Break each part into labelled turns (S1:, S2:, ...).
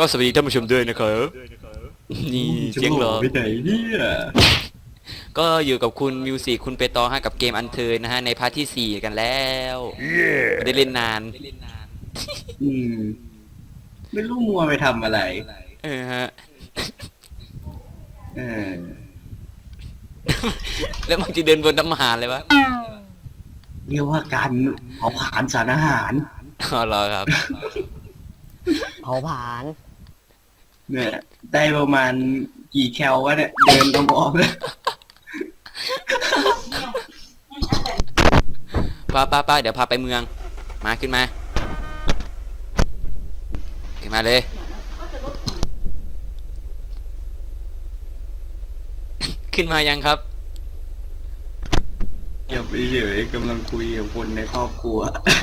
S1: สวัสดีท่านผู้ชมด้วยนะครับนี่เสียงเหรอ
S2: ไปไหนเนี่ย
S1: ก็อยู่กับคุณมิวสิกคุณเปตองฮะกับเกมอันเทิร์นนะฮะในพาร์ทที่4กันแล้วไม่ได้เล่นนาน
S2: อืมไม่รู้มัวไปทำอะไร
S1: ฮะ
S2: เออ
S1: แล้วมันจะเดินบนน้ำหาเลยวะ
S2: เรียกว่าการเผาผลาญสารอาหาร
S1: อ๋อเหรอครับ
S3: เผาผลาญ
S2: เนี่ยได้ประมาณกี่แคลวะเนี่ยเดินต้องออกเลย
S1: ป้าเดี๋ยวพาไปเมืองมาขึ้นมาเลย ขึ้นมายังครับ
S2: อย่าไปเฉยกำลังคุยกับคนในครอบครัว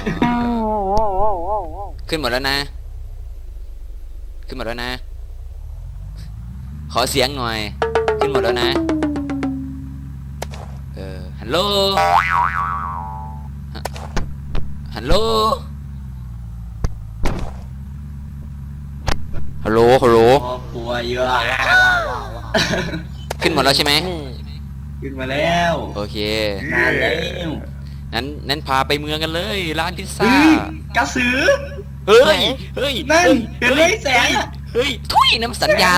S1: ขึ้นหมดแล้วนะ ขอเสียงหน่อย ขึ้นหมดแล้วนะฮัลโหลฮัลโหลฮัลโหล
S2: ครอบครัวเยอะ
S1: ขึ้นหมดแล้วใช่ไหม
S2: ขึ้นมาแล้ว
S1: โอเคน
S2: านแล้ว
S1: นั้นพาไปเมืองกันเลยร้านพิซซ่า
S2: กระสือ
S1: เฮ้ย
S2: นั่นเห็นไหมแสงอะ
S1: เฮ้ยทุยน้ำสัญญาณ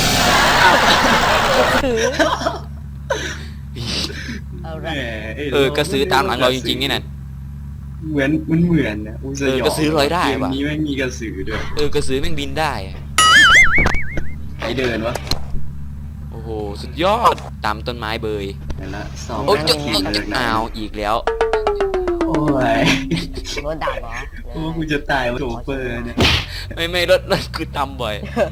S2: แหม
S1: กระสือตามหลังเราจริงๆนี่น่ะ
S2: เหมือนนะอุยสยอง
S1: กระสือลอยได้
S2: เกม
S1: ว่ะ
S2: นี้ไม่มีกระสือด้วย
S1: กระสือแม่งบินได้อะ
S2: ใครเดินวะ
S1: โอ้โหสุดยอดตามต้นไม้เบย
S2: เห็นละสอง
S1: โอ้ย
S2: นา
S1: จะ
S2: ทีเลยนะ
S1: อ้าวอีกแล้ว
S2: โอ้ย
S3: รถดับเหรอ
S2: โอ้กูจะตายวะโจเปอร์เนี่ย
S1: ไม่รถคือตำบ่อย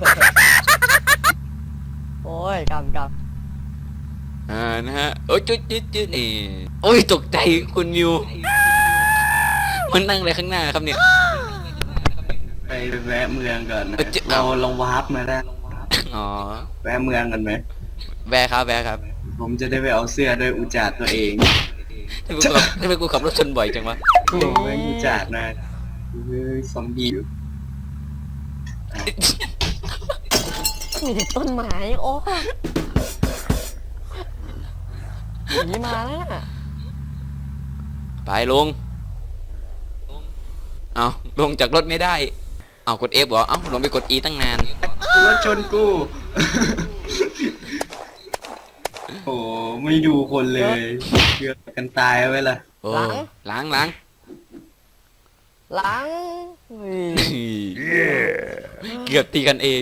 S3: โอ้ยกำ
S1: นะฮะโอ้ยจุดนี่โอ้ยตกใจคุณมิวมันนั่งอะไรข้างหน้าครับเนี่ย
S2: ไปแวะเมืองก่อนนะ
S1: จะ
S2: เราลองวาร์ปมาได้
S1: อ๋อ
S2: แวะเมืองกันไหม
S1: แวะครับ
S2: ผมจะได้ไปเอาเสื้อด้วยอุจจาระตัวเอง
S1: ทำไมกูขับรถชนบ่อยจังวะ
S2: โอ้ยอุจจาระนะเฮ้ยซอมบี้อยู่
S3: มีแต่ต้นไม้โอ้ยหนีมาแล้วน่ะ
S1: ไปลงเอาลงจากรถไม่ได้เอากด F เหรอเอาลงไปกด E ตั้งนาน
S2: รถชนกู โอ้ไม่ดูคนเลยเกือบกันตายไว้ละ
S1: โอ้ล้าง
S3: หลังเฮ้ย
S1: เกือบตีกันเอง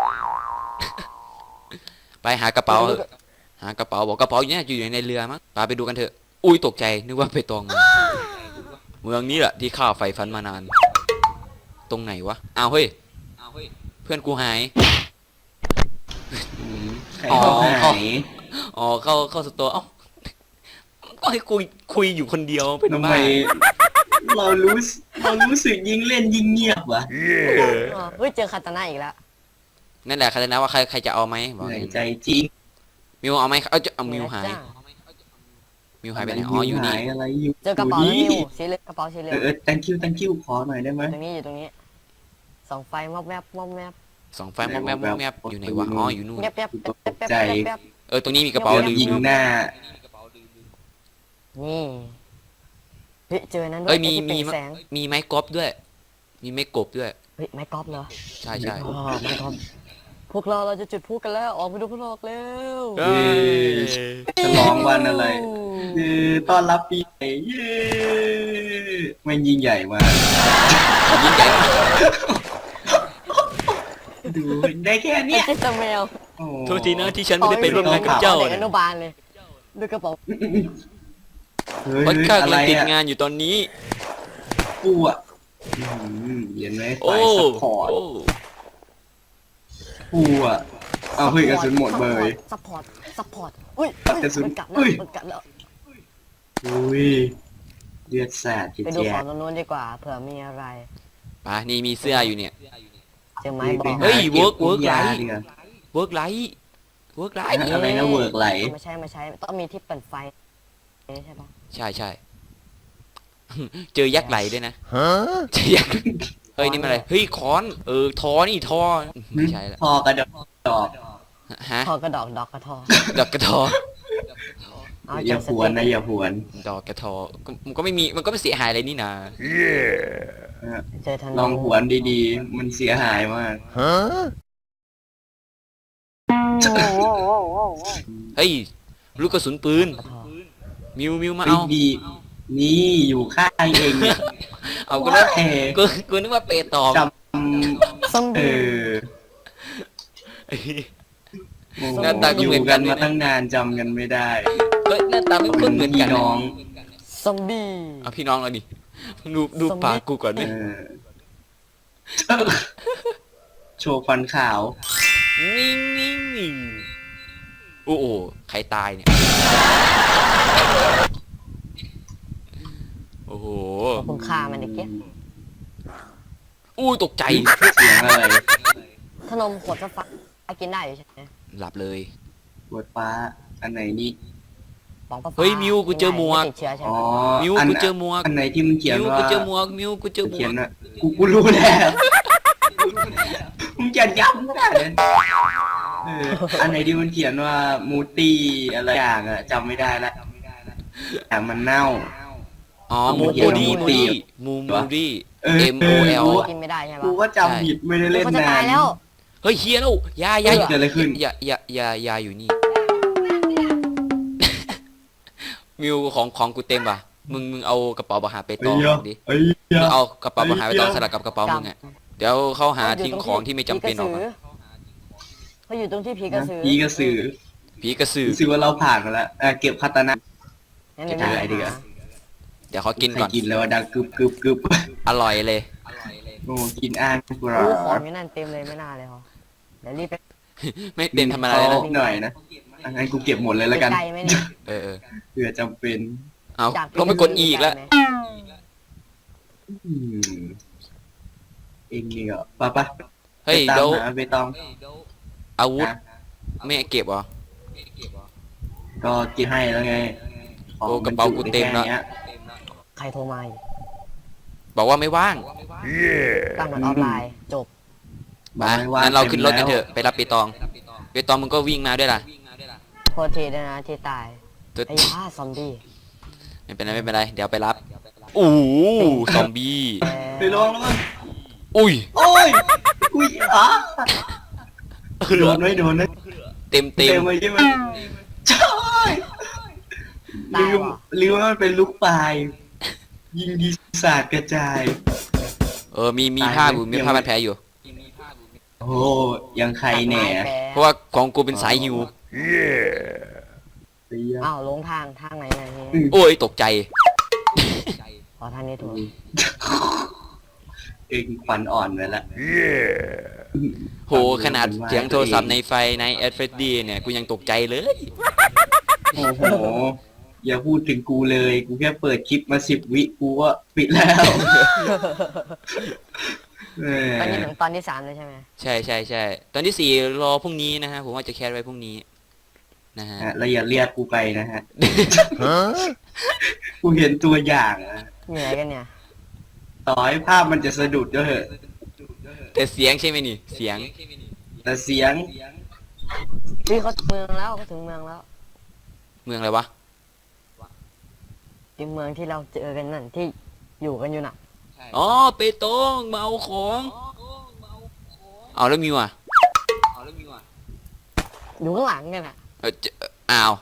S1: ไปหากระเป๋าบอกกระเป๋าอยู่ในเรือมั้งไปดูกันเถอะอุ้ยตกใจนึกว่าไปตองเมืองนี้แหละที่ข้าใฝ่ฝันมานานตรงไหนวะอ้าวเฮ้ยเพื่อนกูหาย
S2: ใครเขาหาย
S1: อ๋อเข้าสตัวเอ้าก็ให้คุยอยู่คนเดียวเป็น
S2: ทำไม
S1: บ้า
S2: เรารู้สึกยิ่งเล่นยิ่งเงียบวะ
S3: เฮ้ยเจอคาตาน่าอีกแล้ว
S1: นั่นแหละใครจะนะว่าใครจะเอาไหมบอก
S2: เหนื่
S1: เล
S2: อย
S1: ย
S2: ใจจริง
S1: มิวเอาไหมเอามิวหายไปไหนอ๋ออยู่นี่
S2: หายอะไรอยู่
S3: เจอกระเป๋าแล้วนิวสีเหลืองกระเป๋าสีเหลือง
S2: thank you ขอหน่อยได้ไหม
S3: ตรงนี้ส่องไฟมอบแมบ
S1: สองไฟมองแมบอยู่ไหนวะอ๋ออยู่นู่น
S3: แป๊บ
S2: ใจ
S1: ตรงนี้มีกระเป๋าลืม
S2: ยิงหน้า
S3: นี่เฮ้ยเจอนั้นด้ว
S1: เอ้
S3: ย
S1: ยมี
S3: ไอ้ที่เป็นแสง
S1: มีไม้กอล์ฟด้วย มีไม้กบด้วย
S3: เฮ้ยไม้กอล์ฟเหรอ
S1: ใช่
S3: อ๋อไม้กอล์ฟพวกเราจะจุดพลุกันแล้วออกไปดูพวกเราแล้ว
S1: เอ้ย
S2: ฉลองวันอะไรต้อนรับปีใหม่เย้ไม่ยิ่งใหญ่มาก
S1: ยิ่งใหญ่มาก
S2: ดูได้แค่เนี้ย
S3: ไอ้เจ้าแมว
S1: โทษทีนะที่ฉันไม่ได้ไปร่วมงานกับเจ้า
S3: เด็กอ
S1: เนี่ย
S3: นุบาลเลยดูกระเป๋า
S1: เพราะข้ากำลังติดงานอยู่ตอนนี้
S2: กูอ่ะเห็นไหม
S1: โอ้
S2: สายซัพพอร์ต
S1: โอ้
S2: กูอ่ะเอาเฮ้ยกระสุนหมดเบย
S3: ซัพพอร์ตอุ้ย
S2: กระสุน
S3: มันกัด
S2: อุ้
S3: แล้ว
S2: ย
S3: มันกัดแล้ว
S2: อุ้ยเลือดสาดจิต
S3: ไปดู
S2: แย่
S3: ของตรงนู้นดีกว่าเผื่อมีอะไร
S1: ไปนี่มีเสื้ออยู่เนี่ย
S3: เจอไม้บอก
S1: เฮ้ย work
S2: ยา
S1: light
S2: ดีกว่า
S1: เวิร์กไลท์
S2: อะไรนะเวิร์กไหล
S3: ไม่ใช่ต้องมีที่เปิดไฟใช่ปะ
S1: ใช่ เจอยักษ์ไหลด้วยนะเจอยักษ์เฮ้ยนี่มันอะไรเฮ้ยค้อนทอนี่ทอไม่ใช่ละ
S2: พอกระดอก
S1: ฮะ
S3: ทอกระดอกดอกกระทอ
S1: ดอกกระทอ
S3: เอา
S2: อย่า
S3: ใจ
S2: ผวนนะอย่าผวน
S1: ดอกกระทอมันก็ไม่มีมันก็ไม่เสียหายอะไรนี่นะ
S3: เจอธนู
S2: ลองผวนดีๆ มันเสียหายมาก
S1: เฮ้ยลูกกระสุนปืน
S3: กระทอ
S1: มิวมา
S2: เฮ้ย
S1: เอา
S2: ดีนี่อยู่ข้างเองเนี่ย
S1: เอาก็แล้ว
S2: แหม
S1: กูนึกว่าเปตอง
S2: จ
S3: ซอม
S2: ำเอ
S3: บี้
S2: อ
S1: หน้าตาก็เหมือนกัน
S2: ยู่
S1: เลย
S2: มา
S1: นะ
S2: ตั้งนานจำกันไม่ได้
S1: เฮ้ยหน้าตาไม่คุ้นเหมือนกัน
S2: พี่น้อง
S3: ซอมบี้
S1: เอาพี่น้องเราดิดู
S3: ซอมบี้
S1: ปากกูก่อน
S2: เอ
S1: ดิ
S2: อโชว์ฟันขาว
S1: นิ่งโอ้โหใครตายเนี่ยโอ้โห
S3: ขอบคุณค่ามันเด็กเกี้ย
S1: อู้ตกใจ
S2: เสียงอะไร
S3: ขนมขวดฟ้ากินได้อยู่ใช่ไหม
S1: หลับเลย
S2: ปวดฟ้าอันไหนนี่
S3: ปองฟ้า
S1: เฮ้ยมิวกูเจอหมวก
S3: ไติดเชื้อใช่ไห
S2: อ๋
S3: ม
S2: อ
S1: มิวกูเจอหมวก
S2: อันไหนที่มันเขียน
S1: มิว
S2: ว่า
S1: กูเจอหมวกมิวกูเจอหม
S2: เขี
S1: วย ก
S2: นว่ากูรู้แล้วมึงจะย้ำได้เลยเอออันไหนที่มันเขียนว่ามูตี้อะไรอย่างอะจำไม่ได้ละแต่มันเน่า
S1: อ๋อมู
S2: เดี๋ยว
S1: ดี้
S2: มูดี้
S1: มูดี้
S2: เออ
S1: M O L
S3: กินไม่ได้ใช่
S2: กู
S3: ปะ
S2: ก็จำผิดไม่ได้เล่น
S3: เขาจะ
S2: นา
S3: ตาย
S2: น
S3: แล้ว
S1: เฮ้ยเฮียแล้วยา
S2: เกิดอะไรขึ้น
S1: ยาอยู่นี่ มิวของกูเต็มป่ะมึงเอากระเป๋าบาหาไปตองดิ
S2: เอ้ย
S1: มึงเอากระเป๋าบาหาไปตองสลับกับกระเป๋ามึงอ่ะเดี๋ยวเขาหาทิ้งของที่ไม่จำเป็นออกมา
S3: เขาอยู่ตรงที่ผีกระสือ
S2: ผีกระสือ
S1: ผีกระสือ
S2: รู้สึกว่าเราผ่านมาแล้วเก็บคาตานะ
S3: งั้นเดี๋ยว
S2: เจออะไรดีกว่า
S1: เดี๋ยวเขากินก่อน
S2: ใครกินแล้วดังกึบกึบกึบ
S1: อร่อยเลย
S2: โอ้กินอ่างกูรอ
S3: รู้ของอยู่นั่นเต็มเลยไม่น่าเลยเหรอเดี๋ยวรีบไป
S1: ไม่เต็มทำอะไรนะ
S2: หน่อยนะงั้นกูเก็บหมดเลยแล้วกัน
S3: ไกลไหมเนี่ย
S1: เออ
S2: เผื่อจำเป็น
S1: เอา
S3: จาก
S1: ลงไปกดอีกแล้ว
S2: อืมเองนี่ก็ปะปะ
S1: เฮ้ย
S2: ไปตาม
S1: เดี๋ยว
S2: หาไปตอง
S1: อาวุธ
S2: นะ
S1: ไม่เก็บเหรอ
S2: ก็กินให้แล้วไง
S1: โอ้กระเป๋ากูเต็มแล้ว
S2: แค่นี้ย
S3: ใครโทรมาอีก
S1: บอกว่าไม่ว่าง
S3: ตั้งมันออนไลน์จบ
S1: มางั้นเราขึ้นรถกันเถอะไปรับเปตองเปตองมึงก็วิ่งมาด้วยล่ะ
S3: โทษทีด้วยนะที่ตาย
S1: ตัว
S3: ไอ้ย่าซอมบี้
S1: ไม่เป็นไรเดี๋ยวไปรับอู้ซอมบี้
S2: ไปลองแล้วมั้ง
S1: อุ้ย
S2: โอ้ยอุ้ยอ่ะโดนไหมโดนไหม
S1: เต็ม
S2: เต็มไปใช่ไหมใช่
S3: ตาย
S2: ลืม
S3: ว่ะ
S2: ลืมว่ามันเป็นลูกปลาย ยิงดีศาสตร์กระจาย
S1: มีผ้าอยู่มีผ้าพันแผลอยู่
S2: โอ้ยังใครแหน่
S3: ตายแปล
S1: เพราะว่าของกูเป็นสายหิว
S2: เสีย
S3: อ้าวลงทางไหนเนี่ย
S1: โอ้ยตกใจ
S3: ขอทางนี้ถูก
S2: เองฟันอ่อนไปละ
S1: โหขนาดเสียงโทรศัพท์ในไฟในแอดเฟรดดี้เนี่ยกูยังตกใจเลย
S2: โอ้โห อย่าพูดถึงกูเลย กูแค่เปิดคลิปมา10 วิกูก็ปิดแล้วแห
S3: ตอนนี้
S2: ม
S3: ถึงตอนที่3เลยใช่ไหม
S1: ใช่ตอนที่ 4รอพรุ่งนี้นะฮะผมว่าจะแคสไว้พรุ่งนี้นะฮะ
S2: แล้วอย่าเรียกกูไปนะฮะ กูเห็นตัวอย่างอะ
S3: เหนื่อยกันเนี่ย
S2: ต่อให้ภาพมันจะสะดุดก็เถอะ
S1: แต่เสียงใช่ไหมนี่เสียง
S2: แต่เสียง
S3: พี่เขาถึงเมืองแล้วเขาถึงเมืองแล้ว
S1: เมืองอะไรวะ
S3: ที่เมืองที่เราเจอกันนั่นที่อยู่กันอยู่น่ะ
S1: อ๋อเปตองมาเอาของเอาแล้วมิวอ่ะ
S3: อยู่ข้างหลังกันอ่ะ
S1: อ้าว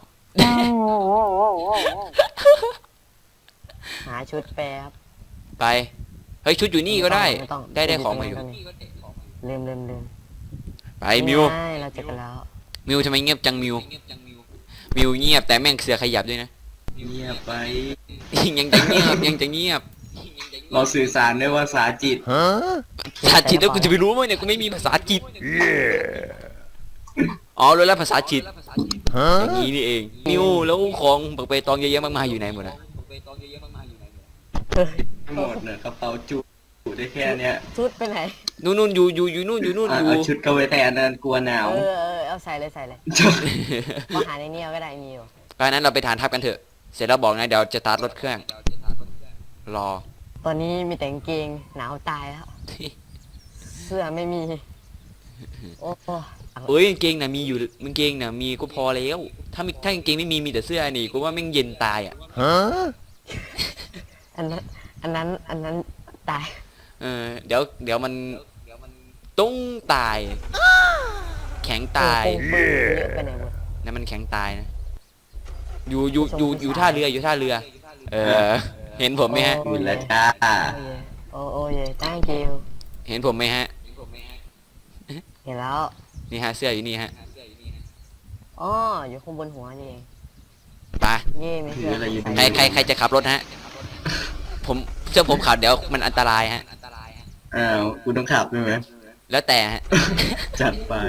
S3: หาชุดแป๊บ
S1: ไปเฮ้ยชุดอยู่นี่ก็ได้
S3: ม่ต้อง
S1: ได้ของมาอยู่
S3: ลืม
S1: ไปมิว
S3: ใช่เราเจอกันแล้ว
S1: มิวทำไมเงียบจังมิวมิวเงียบแต่แม่งเสือขยับด้วยนะ
S2: เงียบไป
S1: ยังจะเงียบยังจะเงียบ
S2: เราสื่อสารด้วยภาษาจิต
S1: ภาษาจิตแล้วกูจะไปรู้ไหมเนี่ยกูไม่มีภาษาจิตอ๋อรู้แล้วภาษาจิตอย่างนี้นี่เองมิวแล้วของปักเปตองเยอะแยะมากมายอยู่ไหนหมดอ่ะ
S2: หมดเนี่ยกระเป๋าจุได้แค่เนี้ย
S3: ชุดไปไหน
S1: นู่นอยู่นู่นอยู่
S2: เอาชุดเข้าไปแทนนั่นกลัวหนาว
S3: เอาใส่เลยมาหาในนี้เอาก็ได้มีอยู่
S1: เพราะฉะนั้นเราไปฐานทัพกันเถอะเสร็จแล้วบอกนะเดี๋ยวจะสตาร์ทรถเครื่องรอ
S3: ตอนนี้มีแต่กางเกงหนาวตายแล้วเสื้อไม่มีโอ้
S1: เอ้ยกางเกงน่ะมีอยู่กางเกงน่ะมีก็พอแล้วถ้ากางเกงไม่มีแต่เสื้อนี่กูว่าแม่งเย็นตายอ่ะ
S3: อันนั้นตาย
S1: เดี๋ยวมันต้องตาย แข็งตาย
S3: โอ้โหเยอะไปไหนหมด
S1: นั่นมันแข็งตายนะอยู่ท่าเรืออยู่ท่าเรือ เออ เห็นผมไหมฮะ
S2: อยู่แล้วจ้า
S3: โอ้ย thank you
S1: เห็นผมไหมฮะ
S3: เห็นแล้ว
S1: นี่ฮะเสื้ออยู่นี่ฮะ
S3: อ๋ออยู่ข้างบนหัวนี่เอง
S1: ไป
S3: เย่ไม่
S2: ถื
S3: เชื่
S2: อ
S3: อ
S2: อะไรอยู่
S1: ใครจะขับรถฮะ ผมเชื่อผมขับเดี๋ยวมันอันตรายฮะ
S2: อ้าวกูต้องขับใช่ไหม
S1: แล้วแต่ฮะ
S2: จัดไป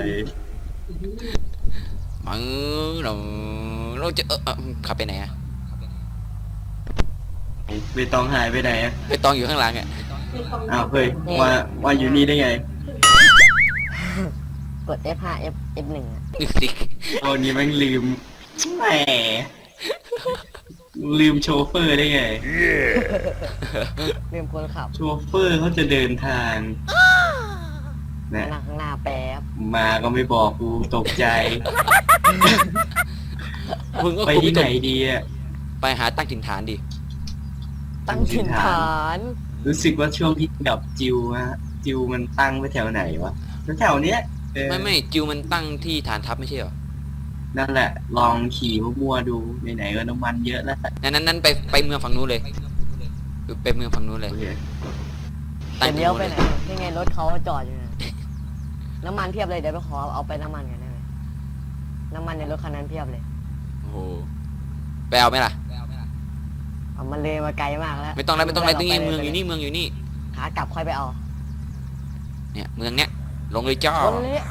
S1: มึงเราจะขับไปไหนอะ
S2: ไปตองหายไปไหนอะ
S1: ไปตองอยู่ข้างหลังอะ
S2: อ้าวเฮ้ยมาอยู่นี่ได้ไง
S3: กด F5 F1 อ่ะ
S1: นึกสิ
S2: ตอนนี้แม่งลืมแหมลืมโชเฟอร์ได้ไง
S3: เรียมคนขับ
S2: โชเฟอร์เขาจะเดินทางนะ
S3: นั่งข้างหน้าแป๊บ
S2: มาก็ไม่บอกกูตกใจ
S1: มึงก็
S2: ไป
S1: กู
S2: ที่ไหน
S1: ตก
S2: ดีอ่ะ
S1: ไปหาตั้งถิ่นฐานดิ
S3: ตั้งถิ่นฐาน
S2: รู้สึกว่าช่วงที่ดับจิวฮะจิวมันตั้งไว้แถวไหนวะแถวๆเนี้ยเออ
S1: ไม่จิวมันตั้งที่ฐานทัพไม่ใช่เหรอ
S2: นั่นแหละ ลองขี่มั่วๆดูไหนๆก็น้ำมันเยอะแล้ว
S1: นั้นไปเมืองฝั่งนู้นเลยไปเมืองฝั่งนู้นเลย
S2: โอเค
S1: ตั้ง
S3: จะ
S1: ที่
S3: เลี้ยว
S1: นู้น
S3: ไป
S1: เลย
S3: ไหนนี่ไงรถเขาจอดอยู่นะน้ำมันเพียบเลยเดี๋ยวไปขอเอาไปน้ำมันกันได้ไหมน้ำมันในรถคันนั้นเพียบเลย
S1: โอ้โหไปเอาไหมล่ะ
S3: เอามันเลยมาไกลมากแล้ว
S1: ไม่ต้องแล้วตรงนี้เมืองอยู่นี่เมืองอยู่นี่
S3: ขากลับค่อยไปเอา
S1: เนี่ยเมืองเนี้ยลงเลยจ้า
S3: คนนี้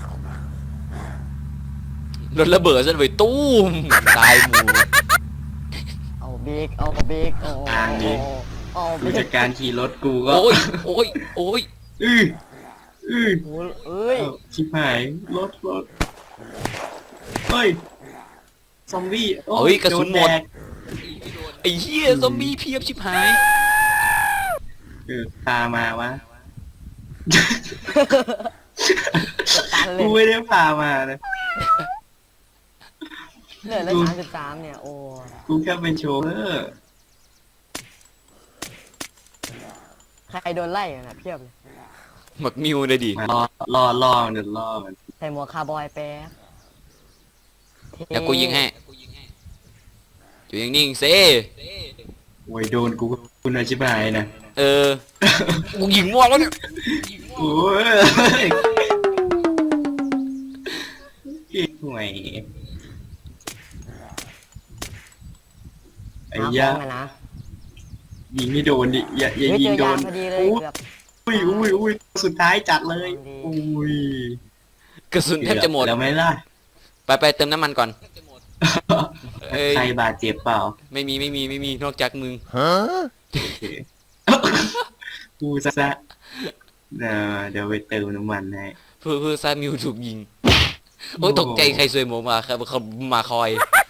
S1: รถระเบิดซะเลยตู้มตายหมู่
S3: เอาบิ๊กเอาบิ๊กเอาเอา
S2: ดู
S3: บิ๊
S2: จาก กการขี่รถกูก็
S1: โอ้ย
S2: อื้ออื้อ
S3: โอ้เอ้ย
S2: เอ้าชิบหายรถเฮ้ยซอมบี้โอ้
S1: เฮ้ยกระสุนหมด
S2: โแก
S1: ไอ้เหี้ยซอมบี้เพียบชิบหาย
S2: พามาวะ
S3: ตันเล
S2: กู
S3: ย
S2: ไม่ได้พามานะ
S3: เหลือแล้ว33เนี่ยโอ้
S2: กูแค่เป็นโชเฟอร์
S3: ใครโดนไล่กันนะเพียบเลย
S1: หมักมิวเลยดิ
S2: มารอมันเดี๋ยวรอมัน
S3: ใส่หมวกคาร์บอยแป๊บ
S1: เดี๋ยวกูยิงให้อยู่นิ่งๆเซ
S2: โอ้ยโดนกูคุณอาชิบหายนะ
S1: กูยิงมั่วแล้วเนี่ย
S2: โอ้ยห่วยไอ้
S3: หาข
S2: ยา
S3: องอะนะ
S2: ยิงไม่โดนดิอย่า
S3: เฮ้ย
S2: ยิง
S3: เจอ
S2: โด
S3: ยาน พอดีเลยเกือบ
S2: อุ้ยสุดท้ายจัดเลย
S3: ดี
S2: อุ้ย
S1: กระสุนแทบจะหมด
S2: แล้วไหมล่ะ
S1: ไปเติมน้ำมันก่อนเอ้ย
S2: ใครบาดเจ็บเปล่า
S1: ไม่มีนอกจากมึง
S2: กูซะเดี๋ยวไปเติมน้ำมันให้
S1: เพื่อซามิวถูกยิงโอ้ยตกใจใครซวยหมูมาครับเขามาคอย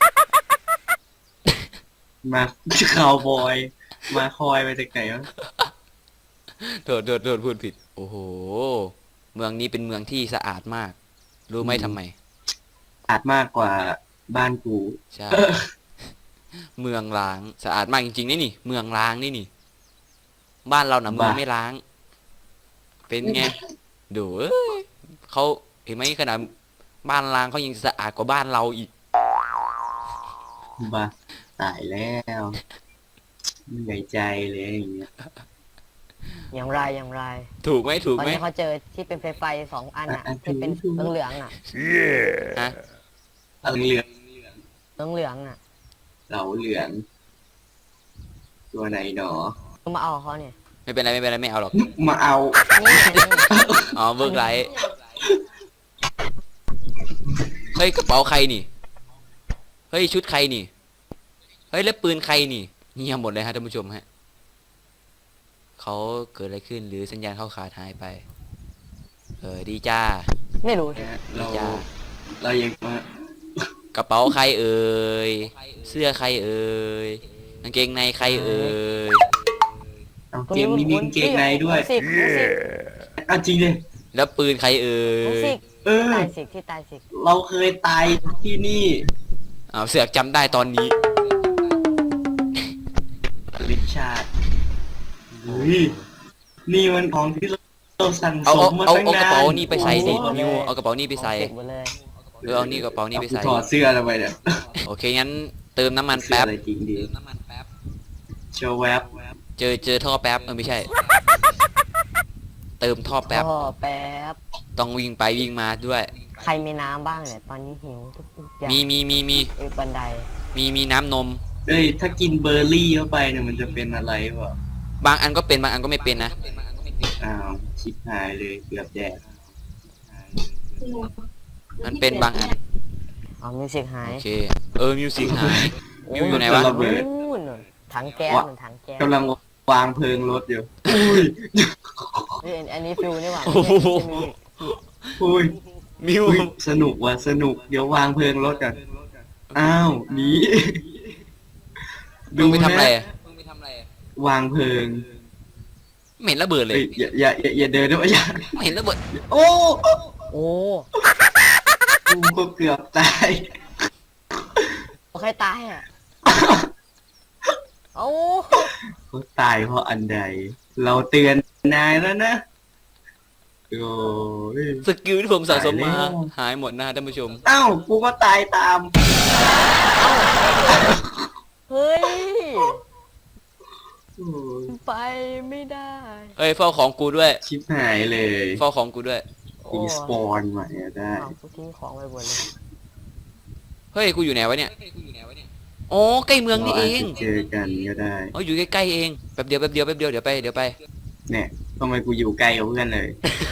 S2: มาคาวบอย มาคอยมาจากไหนวะ
S1: โทษพูดผิด โอ้โห เมืองนี้เป็นเมืองที่สะอาดมาก รู้ไหมทำไม
S2: อาจมากกว่าบ้านกู
S1: ใช่ เมืองล้างสะอาดมากจริงๆนี่ เมืองล้างนี่ บ้านเราน่ะเมืองไม่ล้าง เป็นไง ดูเอ้ยเขาเห็นไหมขนาดบ้านล้างเขายังสะอาดกว่าบ้านเราอีก
S2: บ้าตายแล้วเหนื่อยใจเลยอย่างเงี้ย
S3: อย่างไร
S1: ถูกไหม
S3: ตอนนี้เขาเจอที่เป็นไฟ2อันอ่ะที่เป็นเหลืองๆอ่ะ
S1: ฮะ
S2: เหลือง
S3: เหลืองๆอ่ะ
S2: เหลาเหลือง ตัวไหนหนอ
S3: ต้องมาเอาเขาเนี่ย
S1: ไม่เป็นไรไม่เอาหรอก
S2: มาเอา
S3: นี่ไง
S1: อ๋อเบิร์กไลท์เฮ้ยกระเป๋าใครนี่เฮ้ยชุดใครนี่เฮ้ยแล้วปืนใครนี่เงียบหมดเลยฮะท่านผู้ชมฮะเขาเกิดอะไรขึ้นหรือสัญญาณเข้าขาดหายไปดีจ้า
S3: ไม่รู้
S2: เรา
S1: จ้า
S2: เรายังมาก
S1: ระเป๋าใครเอ่ยเสื้อใครเอ่ยกางเกงในใครเอ่ย
S2: เอาเกมนี้มีกางเกงในด้วย
S3: สิก
S2: เอาจริงดิ
S1: แล้วปืนใครเอ่
S3: สิ
S1: ย
S3: ก
S2: เออ
S3: ตายสิกที่ตายสิก
S2: เราเคยตายที่นี่
S1: อ้าวเสือกจำได้ตอนนี้
S2: ริชาร์ดเฮ้ยนี่มันของที่เราสั่ง
S1: เอา
S2: ส
S1: เอา
S2: มมา
S1: เอา
S2: ตั้ง
S1: เอากระ
S2: นาน
S1: เป๋านี่ไปใส่สิ
S3: โอ้โห
S1: นิวเอากระเป๋านี่ไปใส่
S3: สิกหมดเลย
S1: เอานี่กระเป๋านี่ไปใส่
S2: ถอดเสื้ออะไรไปเนี่ย
S1: โอเคงั้นเติมน้ำมัน
S2: เสื้อ
S1: แป๊บ
S2: อะไรจริงดีเชอแวบ
S1: เจอท่อแป๊บไม่ใช่ เติมท่อแป๊บ
S3: พ่อแป๊บ
S1: ต้องวิ่งไปวิ่งมาด้วย
S3: ใครมีน้ำบ้างเนี่ยตอนนี้หิวทุกอย่าง
S1: มี
S3: บันได
S1: มีน้ำนม
S2: เอ้ยถ้ากินเบอร์รี่เข้าไปเนี่ยมันจะเป็นอะไรวะ
S1: บางอันก็เป็นบางอันก็ไม่เป็นนะ
S2: อ้าวชิบหายเลยเกือบแดก
S1: มันเป็นบางอัน
S3: เอามิวสิกหาย
S1: โอเคมิวสิกหายมิวอยู่ไหนวะ
S2: ระเบิด
S3: นู่นถังแก๊สเหมือนถังแก๊ส
S2: กำลังวางเพลิงรถอยู่อุ้ย
S3: เฮ้ยอันนี้ฟิวนี่หว่า
S1: โอ้โห
S2: อุ้ย
S1: มิว
S2: อุ้ยสนุกว่ะสนุกเดี๋ยววางเพลิงรถกันอ้าวหนี
S1: มิวไปทำอะไรอะ
S2: วางเพลิง
S1: ไม่เห็นระเบิดเลย
S2: เอ้ยอย่าเดินด้วยอย่า
S1: ไม่เห็นระเบิด
S2: โอ้
S3: โอ้
S2: กูก็เกือบตาย
S3: ใครตายอ่ะโอ้
S2: เขาตายเพราะอันใด เราเตือนนายแล้วนะโอ้ย
S1: สกิลที่ผมสะสมมา
S2: ตายแล้ว
S1: หายหมดนะท่านผู้ชม
S2: อ้าวกูก็ตายตาม
S3: เฮ้ย
S2: โอ้ย
S3: ไปไม่ได้
S1: เฮ้ยเฝ้าของกูด้วย
S2: ชิบหายเลย
S1: เฝ้าของกูด้วย
S2: อีสปอนใหม่อะได้
S3: เอากูทิ้งของไปหมดเลย
S1: เฮ้ยกูอยู่ไหนวะเนี่ยอ๋อใกล้เมืองนี่เอง
S2: ราาจจะเจอกันก็ได้
S1: อ๋ออยู่ใกล้ๆเองแป๊บเดียวเดี๋ยวไป
S2: เนี่ยทำไมกูอยู่ไกลกับเพื่อนเลย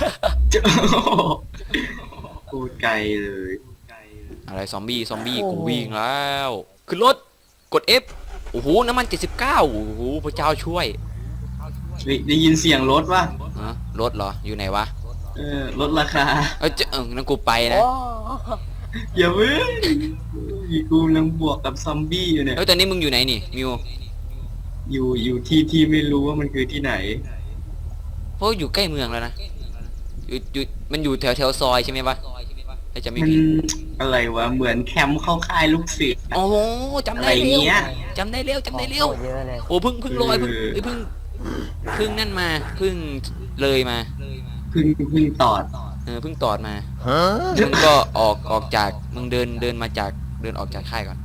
S2: พูดไกลเลย
S1: อะไรซอมบี้กูวิ่งแล้วขึ้นรถกด F โอ้โหน้ำมัน79โอ้โหพระเจ้าช่วย
S2: ได้ยินเสียงรถว่ะ
S1: ฮะรถเหรออยู่ไหนวะ
S2: ลดราคา
S1: นั่นกูไปนะ
S3: โอ้
S2: อย่าเพิ่งกูกำลังบวกกับซอมบี้อยู่เนี่ย
S1: เฮ้ยตอนนี้มึงอยู่ไหนนี่มิว
S2: อยู่ที่ไม่รู้ว่ามันคือที่ไหน
S1: เพราะอยู่ใกล้เมืองแล้วนะอยู่มันอยู่แถวซอยใช่ไหมวะถ้าจะไม่
S2: มัน
S1: ผิด
S2: อะไรวะเหมือนแคมป์เข้าค่ายลูกเสือ
S1: โอ้โหจำ
S2: อะ
S1: ได้
S2: ไร
S1: เร็ว
S2: เงี้ย
S1: จำได้เร็ว
S3: โคตรเยอะเลย
S1: โอ้เพิ่งลอยเพิ่งนั่นมาเพิ่งเลยมา
S2: เพึ่งตอด
S1: เพิ่งตอดมามึงก็ออกจากมึงเดินมาจากเดินออกจากค่ายก่อน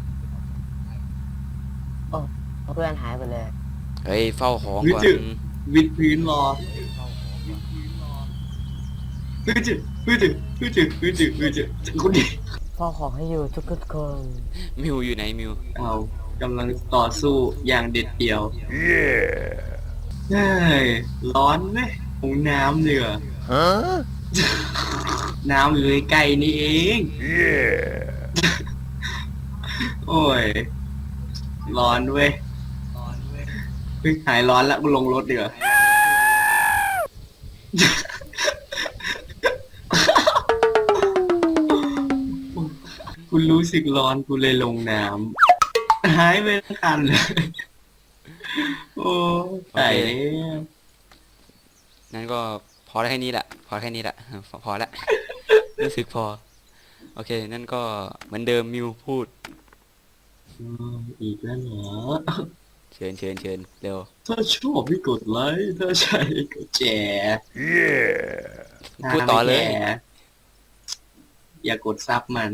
S3: เพื่อนหายไปเลย
S1: เฮ้ยเฝ้าของก่อน
S2: วิดพื้นรอพึ่งคนดี
S3: พ่อขอให้อยู่ทุกคน
S1: มิวอยู่ไหนมิว
S2: เอากำลังต่อสู้อย่างเด็ดเดี่ยวเฮ้ยร้อนไหมของน้ำเหนือน้ำอยู่ใกล้ๆนี่เองโอ้ย ร้อนเว้ยเพิ่งหายร้อนแล้วกูลงรถเดี๋ยวา คุณรู้สึกร้อนกูเลยลงน้ำหายไปทันเลยโอ้ตายแล้ว
S1: นั่นก็พอได้แค่นี้แหละพอละ รู้สึกพอโอเคนั่นก็เหมือนเดิมมิวพูด
S2: อีกแล้วเหรอ
S1: เชิญเร็ว
S2: ถ้าชอบให้กดไลค์ถ้าใช่ก็แชร์
S1: พูดต่อเลย
S2: ถ้าไม่แชร์อย่ากดซับมัน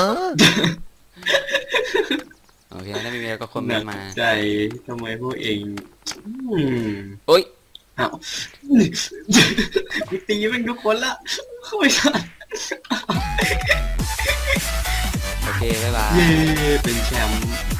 S1: โอเคถ้าไม่มีอะไรก็คอมเม
S2: หนั
S1: นต์มา
S2: ใจทำไมพวกเอง
S1: โอ๊ย
S2: อ้าวกูตีมันทุกคนละเข้าไปทัน
S1: โอเคบ๊ายบาย
S2: เย้เป็นแชมป์